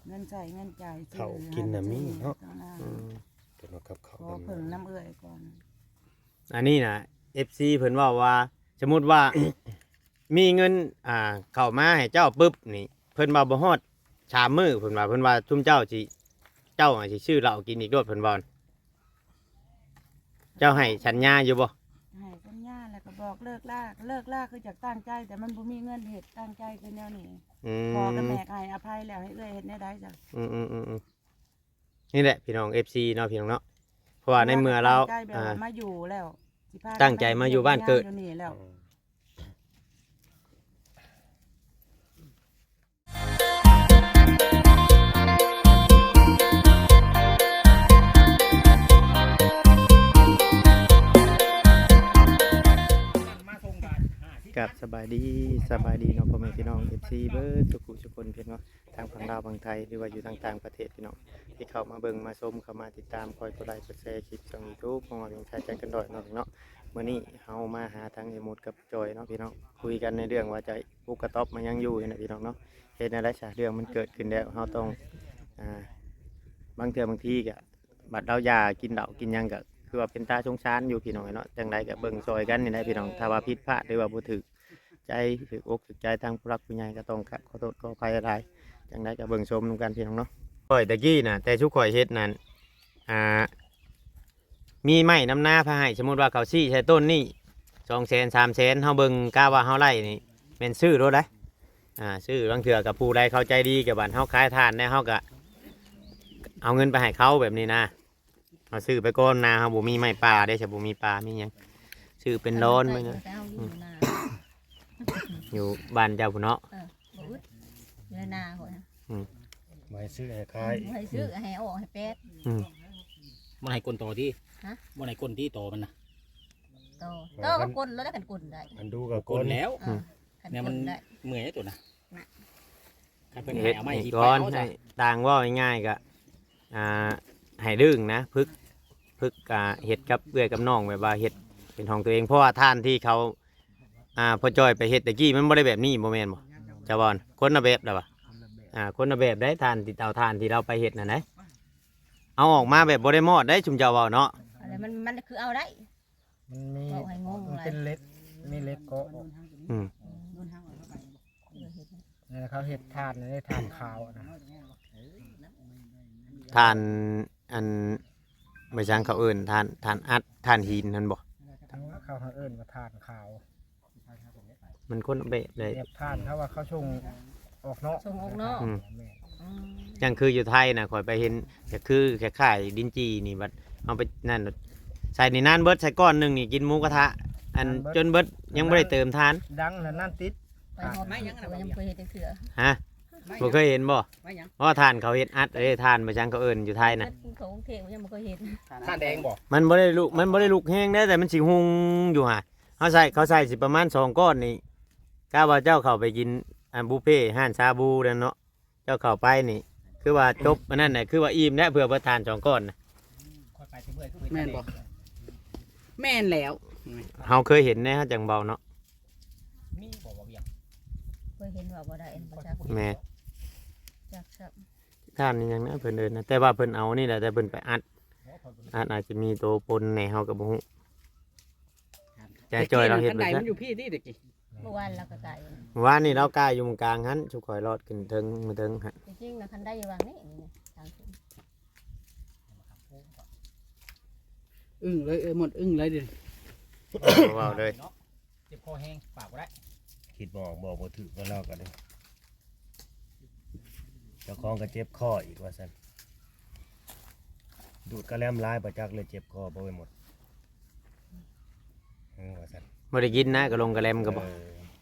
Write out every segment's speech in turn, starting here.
เงินใช้เงินจ่ายเขากินน่ะมีเนาะขอเพิ่งน้ำเอื้อยก่อนอันนี้น่ะ FC เพิ่นว่าสมมุติว่า มีเงินเข้ามาให้เจ้าปึ๊บนี่เพิ่นว่าบ่ฮอด3 มื้อเพิ่นว่าซุมเจ้าสิชื่อเหล้ากินอีกโดดเพิ่นว่าเจ้าให้สัญญาอยู่บ่ให้สัญญาแล้วก็บอกเลิกลาคือจากตั้งใจแต่มันบ่มีเงินเฮ็ดตั้งใจคือแนวนี้พอกับแม่ให้อภัยแล้วให้เอื้อยเฮ็ดแนวใดจ้ะนี่แหละพี่น้อง FC เนาะพี่น้องเนาะเพราะว่าในเมื่อเราตั้งใจแบบว่ามาอยู่แล้วสิพาตั้งใจมาอยู่บ้านเกิดอยู่นี่แล้วกับสบายดีเนาะพ่อแม่พี่น้อง FC เบิร์ดทุกคนพี่น้องทางฝั่งลาวฝั่งไทยหรือว่าอยู่ต่างประเทศพี่น้องที่เข้ามาเบิ่งมาชมเข้ามาติดตามคอยกดไลค์กดแชร์คลิปช่อง YouTube ของเราเพียงชายใจกันดอยเนาะมื้อนี้เฮามาหาทางเอมูดกับจอยเนาะพี่น้องคุยกันในเรื่องว่าจะปุกกระต๊อบมันยังอยู่นะพี่น้องเนาะเฮ็ดอะไรซะเรื่องมันเกิดขึ้นแล้วเฮาต้องบางเทื่อบางทีก็บัดเรายากินเหล้ากินหยังก็คือว่าเป็นตาสงสารอยู่พี่น้องเนาะจังไดก็เบิ่งซอยกันนี่นะพี่น้องถ้าว่าผิดพลาดหรือว่าบ่ถูกใจถืออกถือใจทางผู้รักผู้ใหญ่ก็ต้องขอโทษขออภัยอะไรจังไดก็เบิ่งชมนำกันพี่น้องเนาะข่อยตะกี้น่ะแต่ชุกข่อยเฮ็ดนั่นมีไม้น้ำหน้าพาให้สมมุติว่าเขาซี่ใช้ต้นนี่200,000 300,000เฮาเบิ่งกะว่าเฮาไล่นี่แม่นซื้อรถได้ซื้อบางเทื่อกับผู้ใดเข้าใจดีกับบ้านเฮาขายทานได้เฮาก็เอาเงินไปให้เขาแบบนี้นะเอาซื้อไปก่อนนาเฮาบ่มีไม้ป่าได้ใช่บ่มีป่ามีหยังซื้อเป็นร้อนมั้ยนะอยู่บ้านเจ้าพุ่นเนาะบ่อึดอยู่ในนาพุ่นน่ะไว้ซื้อให้ขายให้ซื้อให้ออกให้เป็ดมันให้กลนโตที่มันให้กลนที่โตมันนะโตก็กลแล้วได้กันกลได้มันดูกับกลนแล้วเนี่ยมันเมื่อยตัวนะใครเป็นให้เอาไม้อีกก้อนให้ต่างว่าง่ายๆก็ให้ดึงนะพึกเห็ดกับเอื้อยกับน้องแบบว่าเห็ดเป็นของตัวเองเพราะว่าท่านที่เขาพอจอยไปเห็ดตะกี้มันไม่ได้แบบนี้โมเมนต์บ่จะบอลคนละแบบแล้วป่ะคนละแบบได้ทานที่เตาทานที่เราไปเห็ดน่ะนะเอาออกมาแบบบ่ได้มอดได้ชุมเจ้าเว้าเนาะอะไรมันคือเอาได้มันมีมันเป็นเล็กมีเล็กเกาะนี่เขาเห็ดทานนี่ทานขาวนะทานอันไม่ช่างเขาเอื่นทานอัดทานหินนั่นบ่ทั้งเขาเอื่นว่าทานขาวมันคนละแบบเลยทานเขาว่าเขาชงออกเนาะยังคืออยู่ไทยนะข่อยไปเห็นก็คือแค่ขายดินจีนี่บัดเอาไปนั่นใส่ในนั่นเบิดใส่ก้อนหนึ่งนี่กินหมูกระทะอันจนเบิดยังไม่ได้เติมทานดังแล้วนั่นติดไปหอมไม่ยังเคยเห็นเถื่อฮะบ่เคยเห็นบ่เพราะทานเขาเห็ดอัดทานมาจังเขาเอิ้นอยู่ไทยนะเขาเทยังไม่เคยเห็นทานแดงบ่มันบ่ได้ลุกแห้งได้แต่มันสิหุงอยู่ห่าเขาใส่สิประมาณ2ก้อนนี่กะว่าเจ้าเข้าไปกินบุฟเฟ่ห้านชาบูนั่นเนาะเจ้าเข้าไปนี่คือว่าจบอันนั้นน่ะคือว่าอิ่มแล้วเพื่อประทาน2ก้อนนะแม่นบ่แม่นแล้วเฮาเคยเห็นนะจังเบาเนาะมีบ่บ่เวียงเคยเห็นว่าบ่ได้บ่จักแม่จักท่านนี่ยังนะเพิ่นเดินนะแต่ว่าเพิ่นเอานี่แหละแต่เพิ่นไปอัดอาจจะมีตัวปนในเฮาก็บ่ฮู้ใจจอยเราเฮ็ดบ่มันอยู่พี่ที่ตะกี้เมื่อวานเราก็กายว่านี่เรากายอยู่ตรงกลางหันชุกข่อยรอดขึ้นถึงมาถึงฮะจริงๆนะคันได้อยู่วางนี่ทางขึ้นเลยหมดเลยดิว้าวเลยเจ็บคอแห้งปากบ่ได้คิดบอกบ่ถือก็เล่ากันเลยเจ้าของก็เจ็บคออีกว่าซั่นดูดกระแลมลายประจักเลยเจ็บคอบ่ไปหมดว่าซั่นบ่ได้กินนะกระลงกระแลมก็บ่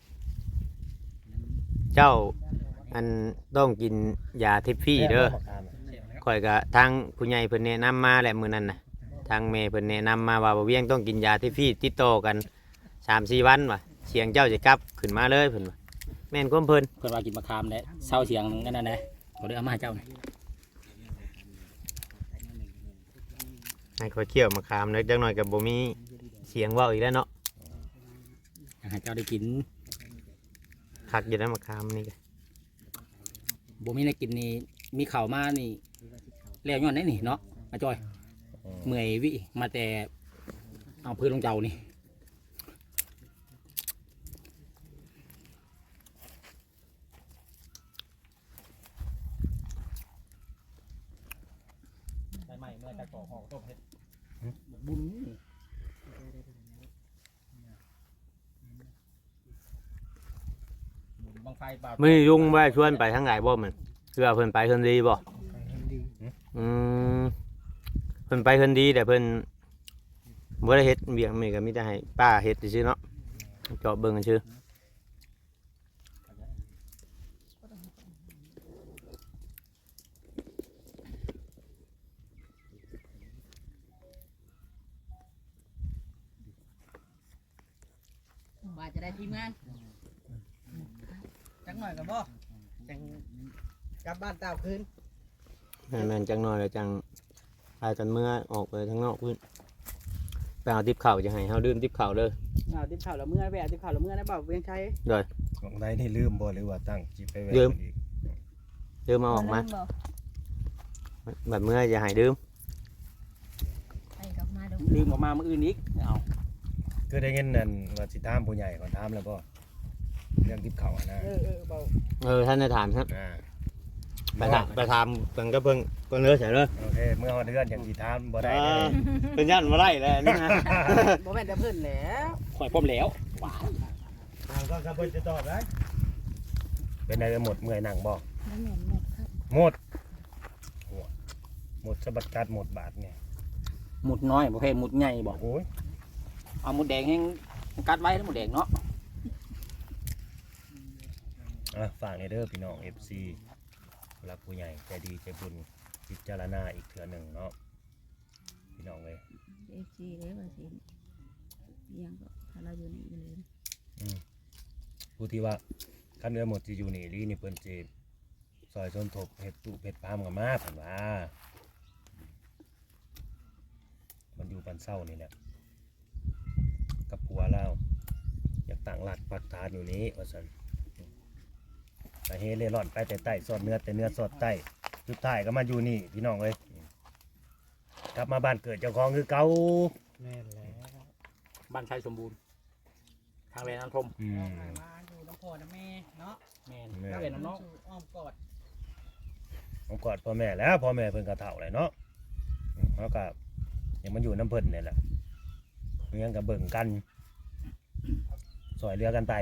เจ้าอันต้องกินยาทิพฟี่เด้อข่อยก็ทางผู้ใหญ่เพิ่นแนะนำมาแหละมื้อนั้นน่ะทางแม่เพิ่นแนะนำมาว่าบ่เวียงต้องกินยาทิพฟี่ติดต่อกัน 3-4 วันว่ะเสียงเจ้าจะกลับขึ้นมาเลยเพิ่นว่าแม่นความเพิ่นว่ากินมะขามแล้วเศร้าเสียงกันนั่นแหละบ่ได้เอามาให้เจ้าให้ข่อยเคี่ยวมะขามเล็กจังหน่อยก็บ่มีเสียงเว้าอีกแล้วเนาะให้เจ้าได้กินคักอยู่แล้วมะขามนี่ก็บ่มีได้กินนี่มีข่าวมานี่แล้วย้อนไหนนี่เนาะอาจอยเมื่อยวิมาแต่เอาพื้นลงเจ้านี่ใหม่เมื่อจะก่อหอกต้มเห็ดบุญบางไฟบาดมื้อนี้ลุงว่าชวนไปทางไหนบ่มันคือว่าเพิ่นไปเพิ่นดีบ่อืมเพิ่นไปเพิ่นดีแต่เพิ่นบ่ได้เฮ็ดเวียงนี่ก็มีแต่ให้ป้าเฮ็ดซื่อๆเนาะเจาะเบิ่งกันซื่อว่าจะได้ทีมงานจังหน่อยกับบ่จังกลับบ้านเต่าคืนแม่นจังน้อยแล้วจังพากันเมื่อออกไปข้างนอกพุ่นไปเอาติ๊บข้าวจะให้เฮาดื่มติ๊บข้าวเด้อเอาติบข่าวละเมื่อแวะติบข่าวละเมื่อได้บ่เวียงชัยของใดนี่ลืมบ่หรือว่าตั้งจิไปแวะลืมอีกดื่มเอาออกมาบ่บัดเมื่อจะให้ดื่มไปกลับมาดูลืมออกมาเมื่ออื่นอีกเอาคือได้เงินนั่นว่าสิถามผู้ใหญ่ก่อนถามแล้วบ่เรื่องทิพเขาอะนะเบาท่านได้ถามครับอ่าไปถามเพิ่นก็เพิ่นเด้อใช่เด้อโอเคเมื่อฮอดเดือนอย่างสิถามบ่ได้เลยเพิ่นยันบ่ได้แล้วนี่นะบ่แม่นแต่เพิ่นแหล้วข่อยพร้อมแล้วว้าถามก็ครับเพิ่นจะตอบได้เป็นไดหมดเมื่อยหนังบ่แล้วแม่นหมดครับหมดหมดสะบัดกัดหมดบาทเนี่ยหมุดน้อยประเภทหมุดใหญ่บอกโอ้ยเอาหมุดแดงให้กัดไว้ทั้งหมุดแดงเนาะฝากในเด้อพี่น้อง FC รักผู้ใหญ่ใจดีใจบุญพิจารณาอีกเทื่อหนึ่งเนาะพี่น้องเลย FC เด้อว่าสิยังก็ถ้าเราอยู่นี่เลยผู้ที่ว่าคันเรือหมดที่อยู่นี่ลีนี่เพิ่นสิซอยชนทบเฮ็ดตุเฮ็ดพามกับมาเพิ่นว่ามันอยู่ปันเศร้านี่แหละกับผัวเราอยากต่างหลักปักฐานอยู่นี้ว่าซั่นไปเฮเล่ร่อนไปแต่ใต้สอดเนื้อแต่เนื้อสอดใต้สุดท้ายก็มาอยู่นี่พี่น้องเอ้ยกลับมาบ้านเกิดเจ้าของคือเก่าแม่นแล้วบ้านชัยสมบูรณ์ทางแรงน้ำทมมาอยู่น้ำพ่อน้ำแม่เนาะแม่นแล้วเป็นน้องสู่อ้อมกอดผมกอดพ่อแม่แล้วพ่อแม่เพิ่นก็เฒ่าแล้วเนาะแล้วก็ยังมาอยู่น้ำเพิ่นนี่แหละเรื่องกับเบิ่งกันสอยเรือกันไป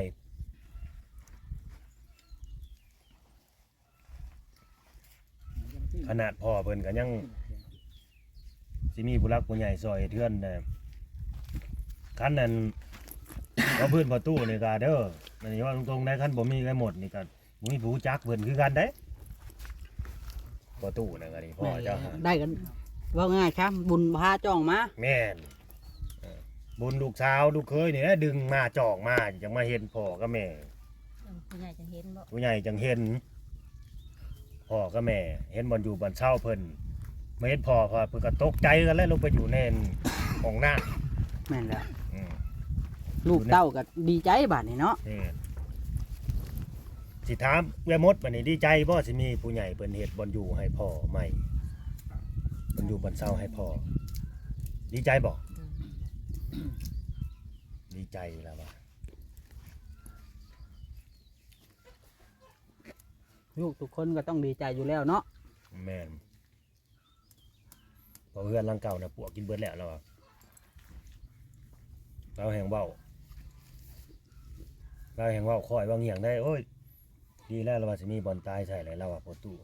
ขนาดพ่อเพิ่นก็ยังสิมีผู้รักผู้ใหญ่ซอยเทือนนะคันนั้น ว่าพื้นประตูนี่ก็เด้ออันนี้ว่าตรงๆได้คันบ่มีกันหมดนี่ก็บ่มีผู้จักเพิ่นคือกันเด้ประตูนั่นก็นี่พ่อเจ้าหาได้กันว่าง่ายครับบุญพาจ้องมาแม่นบุญลูกสาวลูกเคยนี่ดึงมาจอกมาจังมาเห็นพ่อกับแม่ผู้ใหญ่จะเห็นบ่ผู้ใหญ่จังเห็นพ่อกับแม่ เห็นบ่อนอยู่บ่อนเช่าเพิ่นมาเห็นพ่อเพิ่นก็ตกใจกันแล้วลงไปอยู่ในห้องน้ำแม่นแล้วอืมลูกเต้าก็ดีใจบาดนี่เนาะนี่สิถามแม่มดบัดนี้ดีใจบ่สิมีผู้ใหญ่เพิ่นเฮ็ดบ่อนอยู่ให้พ่อใหม่บ่อนอยู่บ่อนเช่าให้พ่อดีใจบ่ดีใจแล้วว่าลูกทุกคนก็ต้องดีใจอยู่แล้วเนาะแม่นพอเพื่อนหลังเก่าน่ะปวกกินเบิดแล้วแล้วอะเราแห่งเว้าคอยว่าเงียงได้โอ้ยดีแล้วเราว่าสิมีบอลตายใส่เลยเราว่าประตู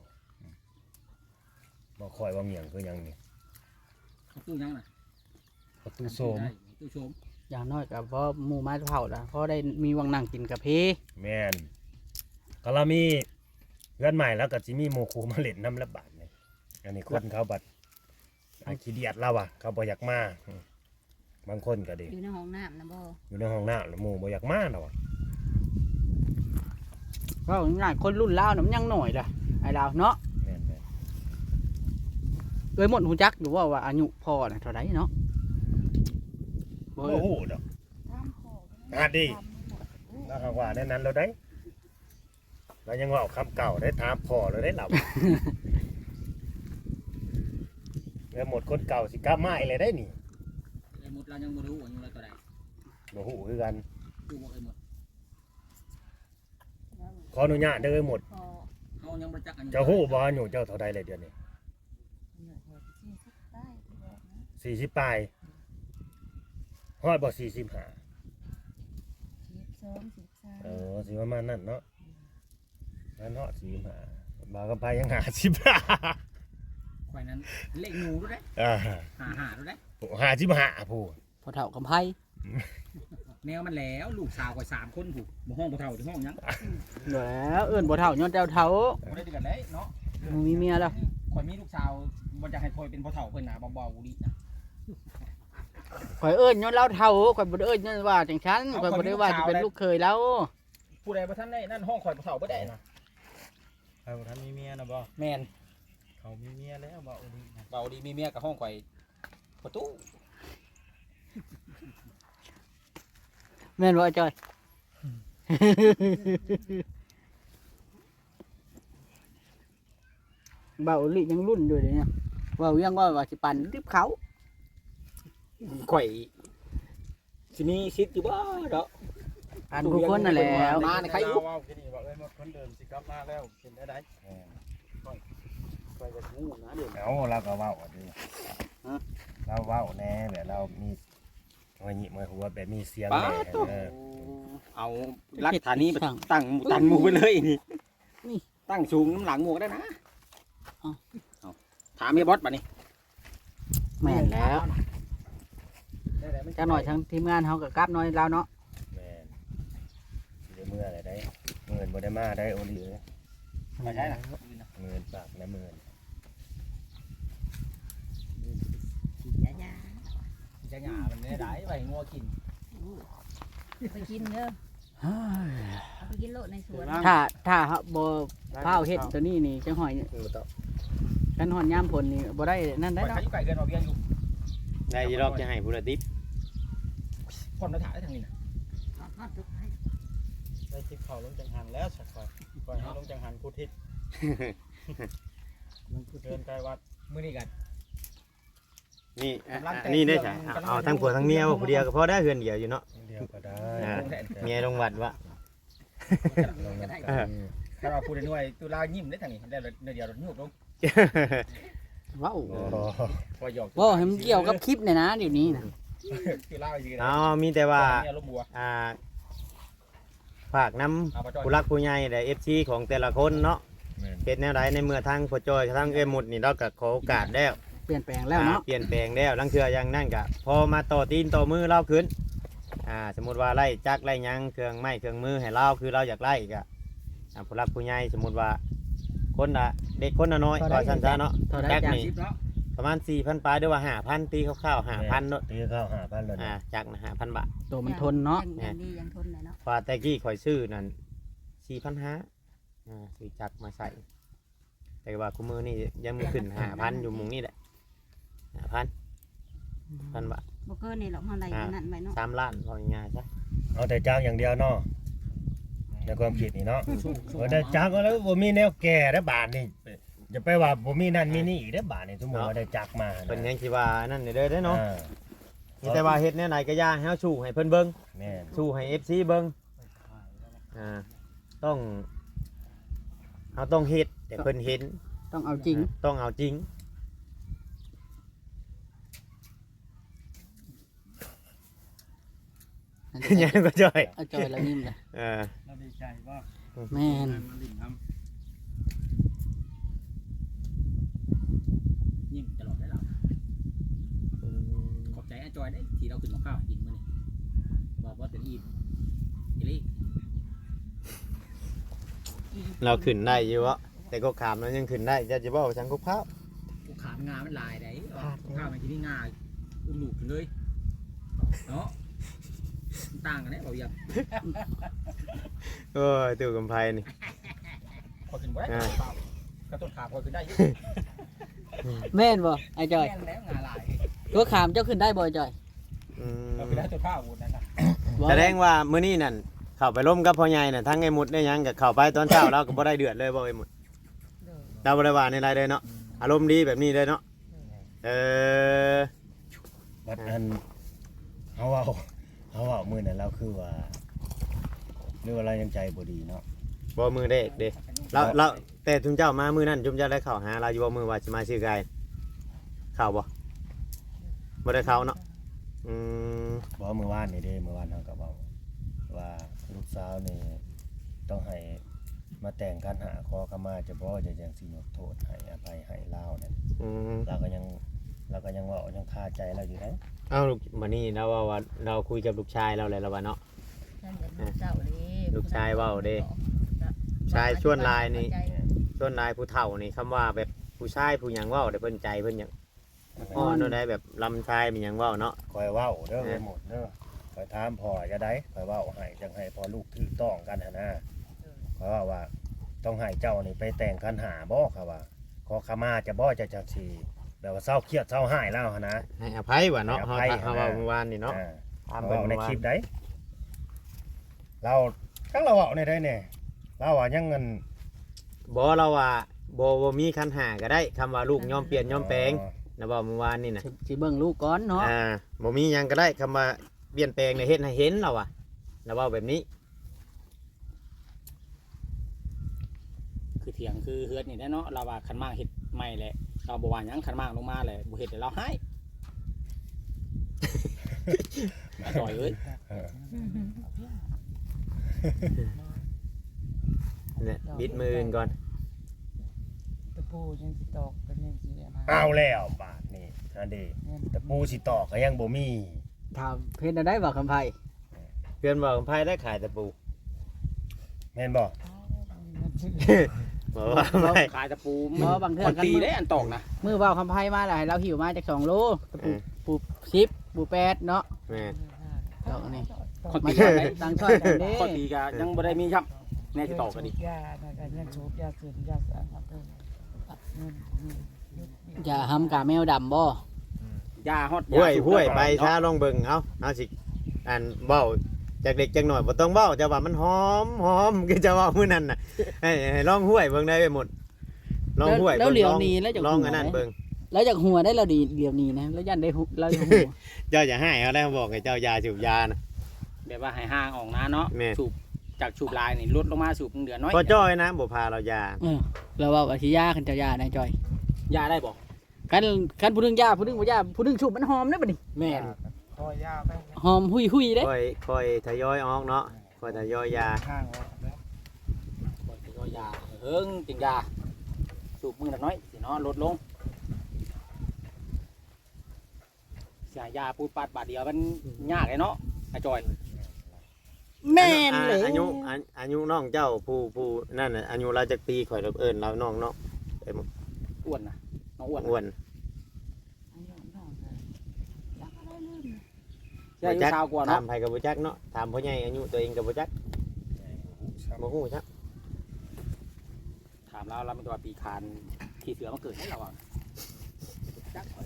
บ่คอยว่าเงียงคือหยังนี่ตู้ยังน่ะประตูโสมตู้โสมอย่างน้อยก็พอหมู่มาเผาละพอได้มีวังนั่งกินกาแฟแม่นก็เรามีเพื่อนใหม่แล้วก็สิมีหมู่ครูมาเล่นน้ำละบาทนี่อันนี้คนเขาบัดขี้เดียดเราอ่ะเขาบ่อยากมาบางคนก็ดีอยู่ในห้องน้ำนะบ่อยู่ในห้องน้ำแล้วหมู่บ่อยากมาเราอ่ะก็ง่ายคนรุ่นลาวน่ะมันยังหน่อยล่ะไอ้ลาวเนาะแม่นเอ้ยหมดหูจักอยู่ว่าอายุพ่อน่ะเท่าไหร่เนาะโอ้โหดอกตามขออ่ะดี แล้วเขาว่าในนั้นเราได้เรายังเว่าคำเก่าได้ถามพ่อเราได้หลับก็หมดคนเก่าสิกลับมาอีกเลยได้นี่ไอ้หมดเรายังบ่รู้ว่าอยู่เราตัวใดบ่ฮู้คือกันดูบ่ไอ้หมดขออนุญาตเด้อหมดพอเฮายังบ่จักอันเจ้าฮู้บ่อายุเจ้าเท่าใดเลยเดือนนี้เหนื่อยแท้ที่สุดได้ที่บอกนะ 40ปลายฮอดบ่45 12 13 สิประมาณนั้นเนาะนั่นฮอด45บ่าวกับไผยัง50 ข่อยนั้นเลขหนูรู้ได้อ่าหารู้ได้ 55ผู้พอเฒ่ากำไผแนวมันแล้วลูกสาวข่อย3คนผู้บ่ห้องบ่เฒ่าที่ห้องหยังเดี๋ยวแล้วเอิ้นบ่เฒ่าย้อนเจ้าเฒ่าบ่ได้เดือนเลยเนาะมึงมีเมียแล้วข่อยมีลูกสาวบ่อยากให้ข่อยเป็นบ่เฒ่าเพิ่นน่ะเบาๆดินะข่อยเอิ้นย้อนเราเฒ่าข่อยบ่ได้เอิ้นย้อนว่าจังซั่นข่อยบ่ได้ว่าสิเป็นลูกเคยแล้วผู้ใดบ่ทันได้นั่นห้องข่อยบ่เฒ่าบ่ได้นะเอาท่านมีเมียนะบ่แม่นเขามีเมียแล้วบ่ดีนะเบาดีมีเมียกับห้องข่อยประตูแม่นบ่จอย เบาลิยังรุ่นอยู่เดี๋ยวนี้เว่ายังว่าสิปั่นริบเขาข่อยสิมีสิทธิ์อยู่บ่เนาะปั่นทุกคนนั่นแหละมาในใครอยู่ว่าที่นี่ว่าเอ้ยหมดคนเดิมสิกลับมาแล้วเป็นได้ไปจะงูนะเดี๋ยวเอาเราก็เว้าดิเราเว้าแน่แบบเรามีหัวหยิบหัวแบบมีเสียงแน่เอาลักฐานนี้ไปตั้งตันหมู่ไปเลยนี่ตั้งสูงน้ำหลังหมู่ก็ได้นะเอาถามไอ้บอสบัดนี้แม่นแล้วจักหน่อยทั้งทีมงานเฮาก็กลับหน่อยแล้วเนาะแม่นสิได้เมื่ออะไรได้เงินบ่ได้มาได้โอลีเอ้ยไม่ใช่นะเงินฝากนะเงินอย่าจะหยามันไม่ได้ไปงัวกินไปกินเด้อเอาไปกินโลดในสวนถ้าเฮาบ่พาวเฮ็ดตัวนี้นี่จังหอยกันหอนยามฝนนี่บ่ได้นั่นได้ไปเนาะขายไก่เกินออกเบี้ยอยู่ได้ยีรอบจะให้ผู้ละดิบคนมาถ่ายได้ทางนี้นะได้ทิพเขาลงจังหันแล้วสักก่อนก่อนให้ลงจังหันพุทธิตเดินไกลวัดมื้อนี้กันนี่นี่ได้ใช่เอาทั้งผัวทั้งเมียผู้เดียวก็พอได้เฮือนเดียวอยู่เนาะเดียวก็ได้เมียลงวัดวะถ้าเราพูดในหน่วยตุลายิ้มได้ทางนี้ได้เดี๋ยวรถยุบลงว้าวโอ้พอหยอกบ่ให้มันเกี่ยวกับคลิปเนี่ยนะเดี๋ยวนี้นะตุลาอยู่เอามีแต่ว่าเนี่ยลมบัวฝากน้ำผู้รักผู้ใหญ่และ FC ของแต่ละคนเนาะแม่นเป็นแนวใดในเมื่อทางพ่อจอยทางเอ้ยหมุดนี่เราก็ขอโอกาสแล้วเปลี่ยนแปลงแล้วเนาะเปลี่ยนแปลงแล้วลังเทืออย่างนั่นก็พอมาต่อตีนต่อมือเราขึ้นสมมุติว่าไล่จักไล่หยังเครื่องไม้เครื่องมือให้เราคือเราอยากไล่ก็ผู้รักผู้ใหญ่สมมุติว่าคนละเด็กคนละน้อยก็สั้นๆเนาะเท่าไรจักจ้ะนี่ประมาณ 4,000 ปลายหรือว่า 5,000 ตีคร่าวๆ 5,000เนาะตีข้าว5,000แล้วนะจักนะ5,000 บาทตัวมันทนเนาะอย่างดีอย่างทนเลยเนาะว่าแต่กี้ข่อยซื้อนั่น 4,500ซื้อจักมาใส่ แต่ว่าคุมือนี่ยังมือขึ้น 5,000 อยู่มุงนี่แหละ 5,000 บาทบ่เกินนี่หรอกเฮาได้ขนาดไว้เนาะ 3 ล้านพอง่ายๆซะเอาแต่จ้างอย่างเดียวเนาะในความคิดนี่เนาะแต่จ้างก็แล้วบ่มีแนวแก่ได้บาทนี่จะไปว่าบ่มีนั่นมีนี่อีกได้บาทนี่สมมุติว่าได้จักมาเป็นยังคิดว่านั่นเด้อเนาะอ่ามีแต่ว่าเฮ็ดแนวไหนก็ย่าให้เฮาสู้ให้เพิ่นเบิ่งแม่นสู้ให้ FC เบิ่งต้องเราต้องเฮ็ดแต่เพิ่นเห็นต้องเอาจริงต้องเอาจริง ยังก็จ่อยเอาจอยแล้วยิ้มเลยเราดีใจว่าแม่นยิ้มตลอดได้หรอขอบใจอาจอยได้ที่เราขึ้นมาข้าวกินมื้อนี้บอกว่าเป็นอิ่มอีลี่เราขึ้นได้อยู่วะแต่ก็ขามเรายังขึ้นได้จะบอกว่าฉันก็ข้าวกูขามงามันลายได้ข้าวมันที่นี่งาอุ้มลูกขึ้นเลยเนาะต่างกันเนี่ยบอกอย่างโอ้ยตู่กำไพนี่พอขึ้นไว้กระตุ้นขาพอขึ้นได้ยุ่แม่นบ่ไอ้จอยแล้วงาลายตัวขามเจ้าขึ้นได้บ่ไอ้จอยเราขึ้นได้ตัวผ้าวุ้นนั่นนะบ่แสดงว่ามื้อนี้นั่นเข้าไปร่มกับพ่อใหญ่น่ะทั้งไอ้หมุดได้หยังกับเข้าไปตอนเช้าเราก็บ่ได้เดือดเลยบ่ไอ้หมุดเราบ่ได้ว่าในไรเลยเนาะอารมณ์ดีแบบนี้เลยเนาะเออบัดนั้นเฮาเว้ามื้อนั้นเราคือว่าหรือว่าเรายังใจบ่ดีเนาะบ่มือเด็กเด้เราแต่ทุมเจ้ามามือนั้นทุมเจ้าได้เข้าหาเราอยู่บ่มือว่าสิมาซื้อไก่เข้าบ่ได้เข้าเนาะอืมบ่มื้อวานนี่เด้มื้อวานเฮาก็เว้าว่าลูกสาวนี่ต้องให้มาแต่งกันหาขอขมาจะบ่จะจังสิยกโทษให้อภัยให้ลาวนั่นอืมเราก็ยังเว้ายังคาใจเราอยู่เด้เอ้าลูกมื้อนี้เราว่าเราคุยกับลูกชายเราเลยแล้วว่าเนาะนั่นแหละลูกเจ้าเด้ลูกชายเว้าเด้ ชายชวนลายนี่ส่วนนายผู้เฒ่านี่คำว่าแบบผู้ชายผู้หยังเว้าได้เพิ่นใจเพิ่นหยังอ้อนได้แบบลำชายมีหยังเว้าเนาะคอยเว้าเด้อไปหมดเด้อคอยถามพ่อจะได้คอยเว้าให้จังให้พ่อลูกถูกต้องกันหั่นนะคอยว่าต้องให้เจ้านี่ไปแต่งคันหาบ่ครับว่าขอขมาจะบ่จะจังซี่แบบว่าเศร้าเครียดเศร้าหายแล้วหั่นนะให้อภัยว่ะเนาะให้อภัยเฮาเว้าเมื่อวานนี่เนาะถามเว้าในคลิปได้เราทั้งเราเว้าในได้แน่เราว่ายังเงินบ่เราว่าบ่มีคันหาก็ได้คำว่าลูกยอมเปลี่ยนยอมแปลงนะบ่เมื่อวานนี่น่ะสิเบิ่งลูกก่อนเนาะบ่มีหยังก็ได้คำว่าเปลี่ยนแปลงเนี่ยเฮ็ดให้เห็นเราอ่ะนะเว้าแบบนี้คือเถียงคือเฮือดนี่แหละเนาะเราว่าคันมากเฮ็ดใหม่แหละเราบ่ว่าหยังคันมากลงมาแหละบ่เฮ็ดให้เราให้ต่อยเอ้ยเนี่ยบิดมือก่อนตะปูยังสิตอกกันยังสินะเอาแล้วบาทนี่อันเด้แต่ปูสิตอกก็ยังบ่มีถามเพชรได้บ่คำไผเพื่อนบอกไผได้ขายตะปูแม่นบ่บอกว่าไม่ขายตะปูบ่บางเทื่อมันกันตีได้อันตอกนะมือเว้าคำไผมาแล้วให้เราหิวมาจาก2โลตะปูปู10ปู8เนาะแม่นดอกนี่คนมาตีช่วยได้ตั้งช่วยกันเด้คนตีก็ยังบ่ได้มีครับแน่สิตอกก็ดียานะกันยังสูบยาสูบยาสารพัดเลยอย่าหำกาแมวดำบ่ยาฮอดห้วยไปช้าลองเบิ่งเอาสิอันเว้าจากเด็กจักหน่อยบ่ต้องเว้าจะว่ามันหอมคือจะเว้ามื้อนั้นน่ะให้ลองห้วยเบิ่งได้ไปหมดลองห้วยแล้วเหลียวหนีแล้วจะลองอันนั้นเบิ่งแล้วจากหัวได้เราดีเหลียวหนีนะแล้วยันได้เราจะหัวเจ้าอย่าให้เขาได้บอกให้เจ้ายาสูบยานะแบบว่าให้ห่างออกนะเนาะแม่สูบจากสูบลายนี่ลดลงมาสูบเดือนน้อยพอจ้อยนะบ่พาเรายาเราว่าว่าสิยาคันเจ้ายานะจอยยาได้บ่คันผู้หนึงยาผู้หนึงบ่ยาผู้หนึงชุบมันหอมเด้อบัดนี้แม่นคอยยาไปหอมหุยๆเด้ค่อยทยอยออกเนาะค่อยทยอยยาข้างออกแล้วบ่สิยาเฮิงจิงยาสูบมือน้อยสิเนาะลดลงเสียยาปูดปัดบาทเดียวมันยากเลยเนาะไอ้จอยแม่นเลยอายุน้องเจ้าผู้นั่นน่ะอายุเราจักปีข่อยเอิ้นเราน้องเนาะอ้วนนะน้องอ้วนอ้วนใช่อายุชาวกว่าถาเนาะมไผก็บ่จักเนาะถามพ่อใหญ่อายุตัวเองก็บ่จักบ่ฮู้จักถามเราเป็นตัวปีคานขี่เสือมาเกิดให้เราอ่ะจักข่อย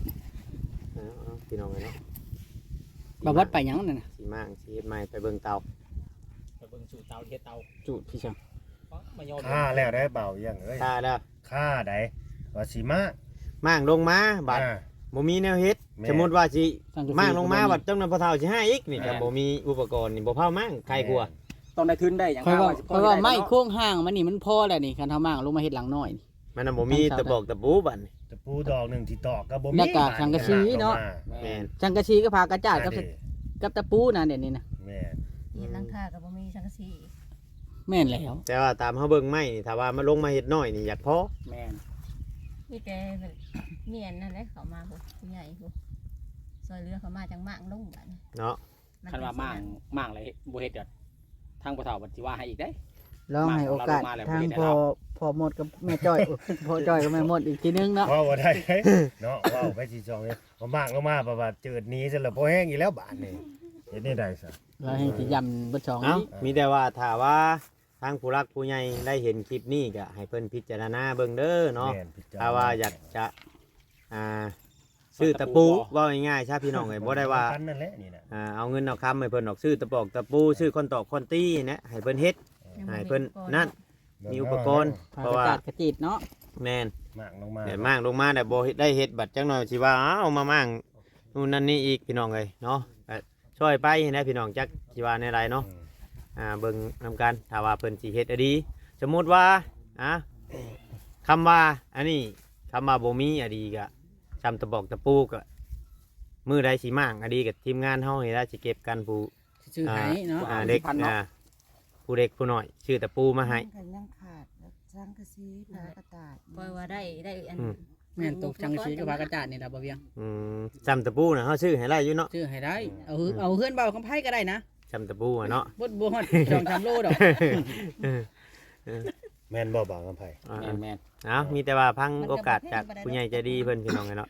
พี่น้องเนาะบ่วัดไปหยังนั่นน่ะสิมางสิเฮ็ดใหม่ไปเบิ่งเตาไปเบิ่งสูตรเตาเฮ็ดเตาจุดพี่ช่างมายอมค่าแล้วได้เบายังเอ้ยถ้าแล้วค่าได้ว่าสิมามั่างลงมาบัดอ่าบ่มีแนวเฮ็ดแม่สมมุติว่าสิตั้กะมั่างลงมาบัดจำนวนพอเท่าสิให้อีกนี่ก็บ่มีอุปกรณ์นี่บ่เผามั่างใครกลัวต้องได้ทุนได้อย่างค่อยว่าสิค่อยว่าด้ไม้เนาะโค้งห่างมันนี่มันพอแล้วนี่คันเฮามางลงมาเฮ็ดหลังน้อยนี่มันน่ะบ่มีตะบอกตะปูบัดนี่ตะปูดอกหนึงที่ตอกก็บ่มีแล้วก็สังกะสีเนาะแม่นจังกะชีก็พากระจาดกับแม่นกับตะปูน่ะเดี๋ยวนี้นะแม่นเห็นหลังคากับบ่มีสังกะสีแม่นแล้วแต่ว่าตามเฮาเบิ่งไม้นี่ถ้าว่ามาลงมาเฮ็ดน้อยนี่อยากพอแม่นมีแต่แบบเมียนนั่นแหละเขามาบ่ผู้ใหญ่บ่ซอยเรือเขามาจังมากลงบัดนี้เนาะคันว่ามั่างเลยบ่เฮ็ดเดี๋ยวทางบ่เฒ่าบัดสิว่าให้อีกได้ลองให้โอกาสมาแล้วทางบ่ได้พอแล้วพอหมดกับแม่จ้อย พอจ้อยกับแม่หมดอีกทีนึงเนาะเว้าบ่ได้เนาะเว้าไปสิจองเลยบ่มากลงมาบ่ว่าจืดหนี้ซะแล้วบ่แห้งอีกแล้วบาดนี่เฮ็ดนี่ได้ซะเราให้สิยำเบิดสองเอ้านี้มีแต่ว่าถ้าว่าทางผู้รักผู้ใหญ่ได้เห็นคลิปนี้ก็ให้เพิ่นพิจารณาเบิ่งเด้อเนาะแม่นพิจรณถ้าว่าอยากจะอ่าซื้อตะปูเว่าง่ายๆใช่พี่น้องเอ้ยบ่ได้ว่ากันนั่นแหละนี่น่ะเอาเงินเอาคำให้เพิ่นออกซื้อตะปอกตะปูซื้อคนตอกคนตี้นะให้เพิ่นเฮ็ดยังบ่ให้มีเพิ่นอุปกรณ์นั่นมีอุปกรณ์พาเพราะกระว่าจาดกระจีดเนาะแม่นมากลงมาเดี๋ยวมากลงมาแต่บ่ได้เฮ็ดบัดจังหน่อยสิว่าเอามามั่งนู่นนั่นนี่อีกพี่น้องเอ้ยเนาะก็ช่วยไปนะพี่น้องจักสิว่าในไรเนาะเบิ่งนำกันถ้าว่าเพิ่นสิเฮ็ดอะดีสมมุติว่าคำว่าอันนี้คำว่าบ่มีอะดีก็จำตะบอกตะปูก็มือใดสิมั่งอะดีกับทีมงานเฮานี่ล่ะสิเก็บกันผู้ชื่อไห้เนาะเด็กผู้เด็กผู้น้อยชื่อตะปูมาให้กันยังขาดแล้วสังกะสีผ้ากระดาษปล่อยว่าได้อันแม่นตกจังสีกับพากระจาดนี่ล่ะบ่เวียงจำตะปูน่ะเฮาชื่อให้ได้อยู่เนาะชื่อให้ได้เอาเฮือนเบาคำไผก็ได้นะจำตะปูอะเนาะบ่ฮอด2-3โลดอกแม่นบ่บางกำไผแม่นมีแต่ว่าพังโอกาสจากผู้ใหญ่ใจดีเพิ่นพี่น้องเนาะ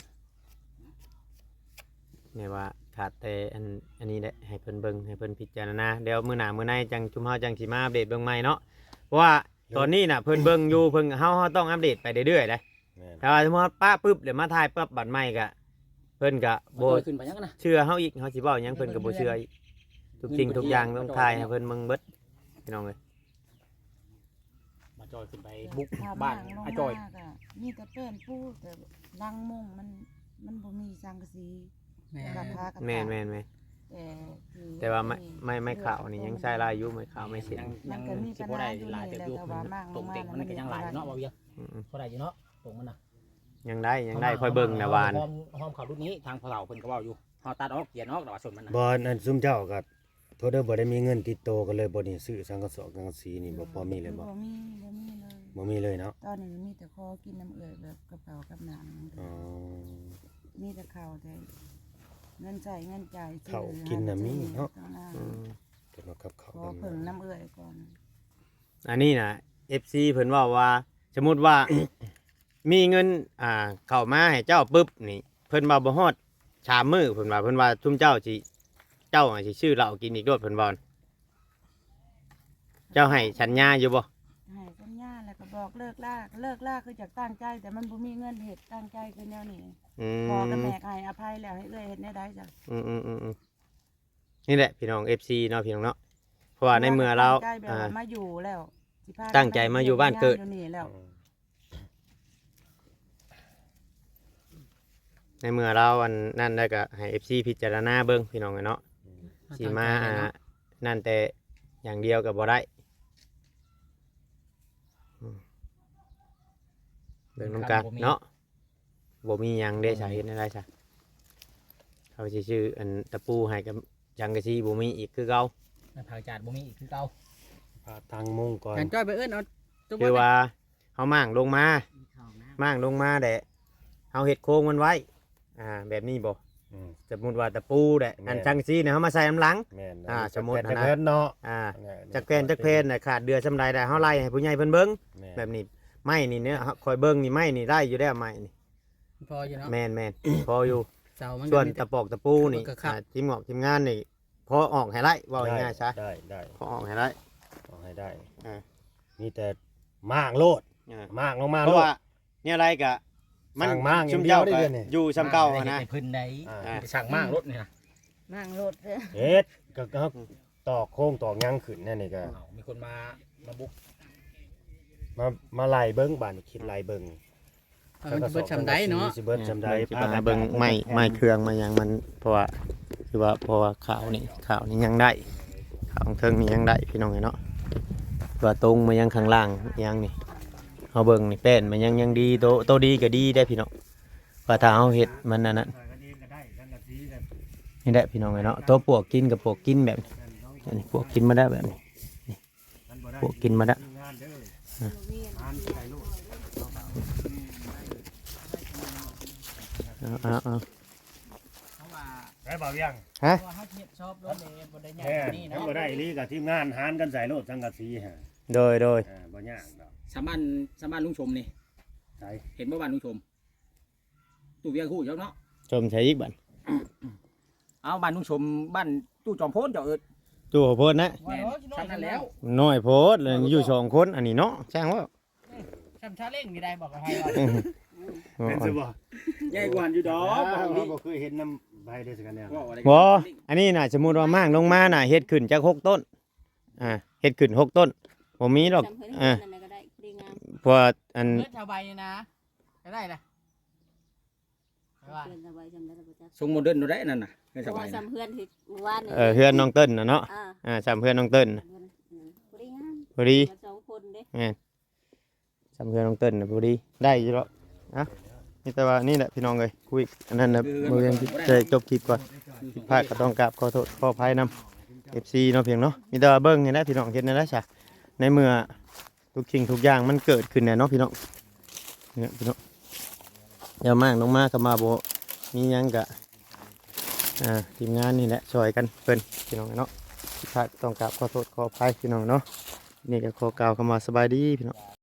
เนี่ยว่าขาดแต่อันนี้แหละให้เพิ่นเบิ่งให้เพิ่นพิจารณาเดี๋ยวมื้อหน้ามื้อในจังชุมเฮาจังสิมาอัปเดตเบิ่งใหม่เนาะเพราะว่าตอนนี้น่ะเพิ่นเบิ่งอยู่เพิ่นเฮาต้องอัปเดตไปเรื่อยๆเด้แม่นแต่ว่าสมมุติป้าปึ๊บเดี๋ยวมาถ่ายปั๊บบัดใหม่ก็เพิ่นก็บ่บ่ขึ้นไปยังนะเชื่อเฮาอีกเฮาสิเว้าหยังเพิ่นก็บ่เชื่ออีกทุกสิ่งทุกอย่างต้องถ่ายให้เพิ่นเบิ่งเบิดพี่น้องเอ้ยมาจอยขึ้นไปบุกถ้าบ้านมอาจอยลงมก็มีแต่เป็นปูแต่รังมุงมันบ่มีสังกะสีแม่กับผ้ากระดาษแม่นแต่ว่าไม่ข่าวนี่ยังใช้ลายอยู่ไม่ข่าวไม่เสร็จยังสิบ่ได้หลายเติบอยู่ตรงเต็งมันก็ยังหลายเนาะบ่เวียงอืมบ่ได้อยู่เนาะตรงมันน่ะยังได้ค่อยเบิ่งนะวานหอมเขารุ่นนี้ทางพ่อเฒ่าเพิ่นก็เว้าอยู่เฮาตัดออกเขียนออกแต่ว่าส่วนมันน่ะบ่นั่นซุมเจ้าก็โทษเด้อบ่ได้มีเงินติดโตวกันเลยบ่นี่ซื้อสังกะสอกสังกะสีนี่บ่พอมีเลยบ่บ่มีเลยบ่มีเลยเนาะตอนนี้มีแต่คอกินน้ำเอื่อยแบบกระเป๋ากับหนังอ๋อมีแต่ข้าวแต่เงินใช้เงินจ่ายซื้อข้าวกินน่ะมีเนาะต้องอืมเดี๋ยวมากับเขาขอเพิ่งน้ำเอื่อยก่อนอันนี้นะ FC เพิ่นว่าสมมุติว่า มีเงินเข้ามาให้เจ้าปึ๊บนี่เพิ่นว่าบ่ฮอดชามมื้อเพิ่นว่าซุมเจ้าสิชื่อเหล้ากินอีกโดดเพิ่นว่าเจ้าให้สัญญาอยู่บ่ให้สัญญาแล้วก็บอกเลิกลาคือจากตั้งใจแต่มันบ่มีเงินเฮ็ดตั้งใจคือแนวนี้ พอกับแม่ก็ให้อภัยแล้วให้เอ้ยเฮ็ดได้จ้ะนี่แหละพี่น้อง FC เนาะพี่น้องเนาะเพราะว่าในเมื่อเราตั้งใจแบบว่ามาอยู่แล้วสิพาตั้งใจมาอยู่บ้านเกิดอยู่นี่แล้วในเมื่อเราอันนั่นได้ก็ให้ FC พิจารณาเบิ่งพี่น้องเนาะสิมานั่นแต่อย่างเดียวก็บ่ได้เบิ่งนำกันเนาะบ่มีหยังได้สาเหตุอะไรซะเขาสิชื่ออันตะปูให้กับจังกะซีบ่มีอีกคือเก่าในภาคจาดบ่มีอีกคือเก่าพาทางมุ่งก่อนการจ้อยไปเอิ้นเอาตัวคือว่าเฮามั่างลงมาแดะเฮาเฮ็ดโค้งมันไว้แบบนี้บ่อืมสมมุติว่าตะปูแดะอันจังซีเนี่ยเฮามาใส่น้ำหลังแม่นสมมุติแต่นะเพิ่นเนาะจักแผ่นน่ะขาดเดือซำใดได้เฮาไล่ให้ผู้ใหญ่เพิ่นเบิ่งแม่นแบบนี้ไม้นี่เนี่ยคอยเบิ่งนี่ไม้นี่ได้อยู่แล้วไม้นี่พออยู่เนาะแม่นพออยู่เสามันส่วนก็มีแต่ตะปอกตะปูนี่ก็ครับทีมงอกทีมงานนี่พอออกให้ไล่ว่าง่ายๆซะได้พอออกให้ไล่เอาให้ได้อ่ามีแต่มากโลดมากลงมาเพโลราะดว่าเนี่ยอะไรกะมันสั่งมากอย่างชุมเดียวเจ้าได้ก็เดือนนี่อยู่ซ้ำเก่าอะนะเพิ่นได้อ่าสั่งมากรถนี่นะนั่งรถเด้อเฮ็ดก็เขาตอกโค้งตอกหยังขึ้นนั่นนี่ก็มีคนมาบุกมาไล่เบิ่งบ้านคิดไล่เบิ่งมันจะเบิดชำได้เนาะสิเบิดจำได้สิไปหาเบิ่งไม้เครื่องมาอย่างมันเพราะว่าขาวนี่ยังได้ขาวของเทิงนี่ยังได้พี่น้องเนาะตัวตรงมายังข้างล่างยังนี่เอาเบิ่งนี่แป้นมันยังดีโตดีก็ดีได้พี่น้องว่าถ้าเอาเฮ็ดมันนั่นนี่แหละพี่น้องเนาะตัวปวกกินกับปวกกินแบบนี้ปวกกินมาได้แบบนี้ปวกกินมาได้เอาเพราะว่าได้บ่าวยังฮะเพราะว่าเฮาเฮ็ดชอบรถเลยบ่ได้ใหญ่แม่กว่านี้ถ้าเนาะบ่ได้อีหลีกับทีมงานหารกันใส่โลดสังกะสีฮะโดยบ่ยากดอกสามบ้านลุงชมนี่ใส่เห็นบ่บ้านลุงชมตู้เวียงคู่เจ้าเนาะชมใช้อีกบันเอาบ้านลุงชมบ้านตู้จอมโพนเจ้าเอิดตัวโพดนะแม่นทำนั้นแล้วน้อยโพดเลยอยู่2คนอันนี้เนาะช่างว่าชำชาเล่งนี่ได้บอกกับใครว่าเป็นสิบ่ใหญ่กว่าอยู่ดอกบ่เคยเห็นน้ำใบได้สักอันเนี่ยบ่อันนี้น่ะสมมุติว่ามั่างลงมาน่ะเฮ็ดขึ้นจาก6ต้นเฮ็ดขึ้น6ต้นบ่มีดอกจำเพิ่นนั่นก็ได้ดีงามเพราะอันเลือดชาวใบนี่นะก็ได้เลยว่าเพื่อนสบายจำได้แล้วบ่จ๊ะทรงโมเดิร์นดูได้นั่นน่ะไม่เพสราะบาว่ายนะซ้ำเพื่อนที่เมื่อวานนี่เฮือนน้องเติ้ลน่ะเนาะอ่าซ้ำเฮือนน้องเติ้ลน่ะพอดีงามพอดีมาสองคนเด้ซ้ำเฮือนน้องเติ้ลน่ะพอดีได้อยู่แล้วนะนี่แต่ว่านี่แหละพี่น้องเอ้ยคุยอันนั้นน่ะบ่ยังจะจบคลิปก่อนผิดพลาดก็ต้องกราบขอโทษขออภัยนำ FC เนาะเพียงเนาะมีแต่ว่าเบิ่งนี่แหละพี่น้องเฮ็ดนั่นแหละจ้ะในเมื่อทุกสิ่งทุกอย่างมันเกิดขึ้นแน่เนาะพี่น้องเนี่ยพี่น้องอย่ามากน้องมาก็มาบ่มีหยังก็ทีมงานนี่แหละช่วยกันเพิ่นพี่น้องเนาะผิดพลาดต้องกราบขอโทษขออภัยพี่น้องเนาะนี่ก็ขอกล่าวคำว่าสบายดีพี่น้อง